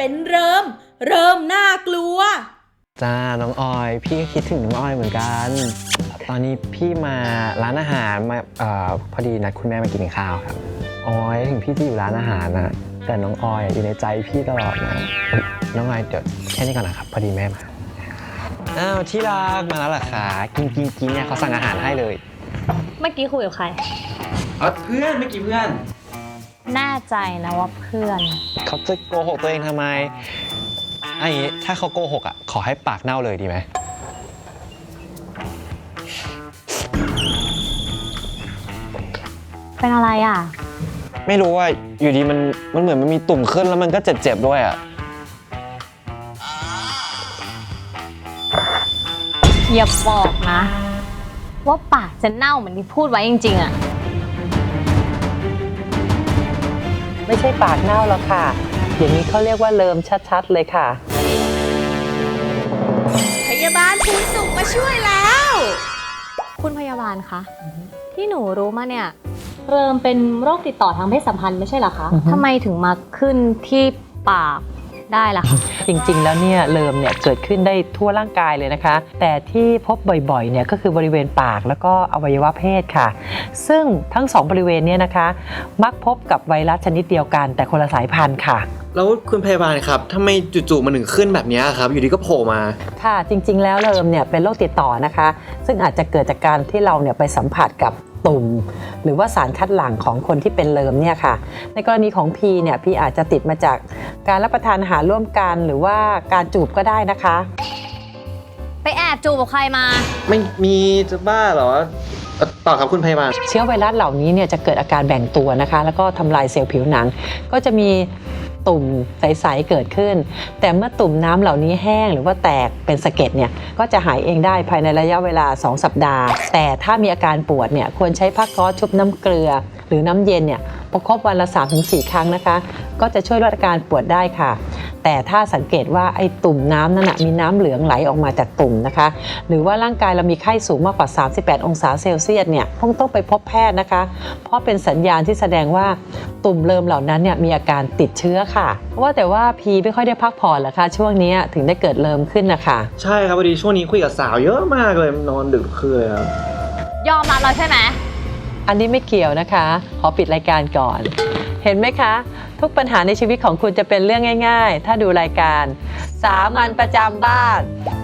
เป็นเริ่มน่ากลัวจ้าน้องออยพี่ก็คิดถึงน้องออยเหมือนกันตอนนี้พี่มาร้านอาหารมาพอดีนัดคุณแม่มากินข้าวครับออยถึงพี่จะอยู่ร้านอาหารนะแต่น้องออยอยู่ในใจพี่ตลอดนะน้องออยเดี๋ยวแค่นี้ก่อนนะครับพอดีแม่มาอ้าวที่รักมาแล้วเหรอคะกินเนี่ยเขาสั่งอาหารให้เลยเมื่อกี้คุยกับใครเพื่อนเมื่อกี้เพื่อนแน่ใจนะว่าเพื่อนเขาจะโกหกตัวเองทำไมไอ้ถ้าเขาโกหกอ่ะขอให้ปากเน่าเลยดีไหมเป็นอะไรอ่ะไม่รู้ว่าอยู่ดีมันเหมือนมันมีตุ่มขึ้นแล้วมันก็เจ็บด้วยอ่ะอย่าบอกนะว่าปากจะเน่าเหมือนที่พูดไว้จริงๆอ่ะไม่ใช่ปากเน่าแล้วค่ะอย่างนี้เขาเรียกว่าเลิมชัดๆเลยค่ะพยาบาลภูนสุขมาช่วยแล้วคุณพยาบาลคะที่หนูรู้มาเนี่ยเริ่มเป็นโรคติดต่อทางเพศสัมพันธ์ไม่ใช่เหรอคะทำไมถึงมาขึ้นที่ปากได้ล่ะคะจริงๆแล้วเนี่ยเลิมเนี่ยเกิดขึ้นได้ทั่วร่างกายเลยนะคะแต่ที่พบบ่อยๆเนี่ยก็คือบริเวณปากแล้วก็อวัยวะเพศค่ะซึ่งทั้งสองบริเวณเนี่ยนะคะมักพบกับไวรัสชนิดเดียวกันแต่คนละสายพันธุ์ค่ะแล้วคุณพยาบาลครับทำไมจู่ๆมันถึงขึ้นแบบนี้ครับอยู่ดีก็โผล่มาค่ะจริงๆแล้วเลิมเนี่ยเป็นโรคติดต่อนะคะซึ่งอาจจะเกิดจากการที่เราเนี่ยไปสัมผัสกับตุ่มหรือว่าสารคัดหลั่งของคนที่เป็นเลิมเนี่ยค่ะในกรณีของพีเนี่ยพีอาจจะติดมาจากการรับประทานอาหารร่วมกันหรือว่าการจูบก็ได้นะคะไปแอบจูบกับใครมาไม่มีจะบ้าเหรอต่อครับคุณพยาบาลเชื้อไวรัสเหล่านี้เนี่ยจะเกิดอาการแบ่งตัวนะคะแล้วก็ทำลายเซลล์ผิวหนังก็จะมีตุ่มใสๆเกิดขึ้นแต่เมื่อตุ่มน้ำเหล่านี้แห้งหรือว่าแตกเป็นสะเก็ดเนี่ยก็จะหายเองได้ภายในระยะเวลา2สัปดาห์แต่ถ้ามีอาการปวดเนี่ยควรใช้ผ้าก๊อซชุบน้ำเกลือหรือน้ำเย็นเนี่ยประคบวันละ 3-4 ครั้งนะคะก็จะช่วยลดอาการปวดได้ค่ะแต่ถ้าสังเกตว่าไอ้ตุ่มน้ำนั้นมีน้ำเหลืองไหลออกมาจากตุ่มนะคะหรือว่าร่างกายเรามีไข้สูงมากกว่า38องศาเซลเซียสเนี่ยคงต้องไปพบแพทย์นะคะเพราะเป็นสัญญาณที่แสดงว่าตุ่มเริมเหล่านั้นเนี่ยมีอาการติดเชื้อค่ะว่าแต่ว่าพีไม่ค่อยได้พักผ่อนเหรอคะช่วงนี้ถึงได้เกิดเริมขึ้นนะคะใช่ครับพอดีช่วงนี้คุยกับสาวเยอะมากเลยนอนดึกคืนเลยครับยอมรับเราใช่ไหมอันนี้ไม่เกี่ยวนะคะขอปิดรายการก่อนเห็นไหมคะทุกปัญหาในชีวิตของคุณจะเป็นเรื่องง่ายๆถ้าดูรายการสามัญประจำบ้าน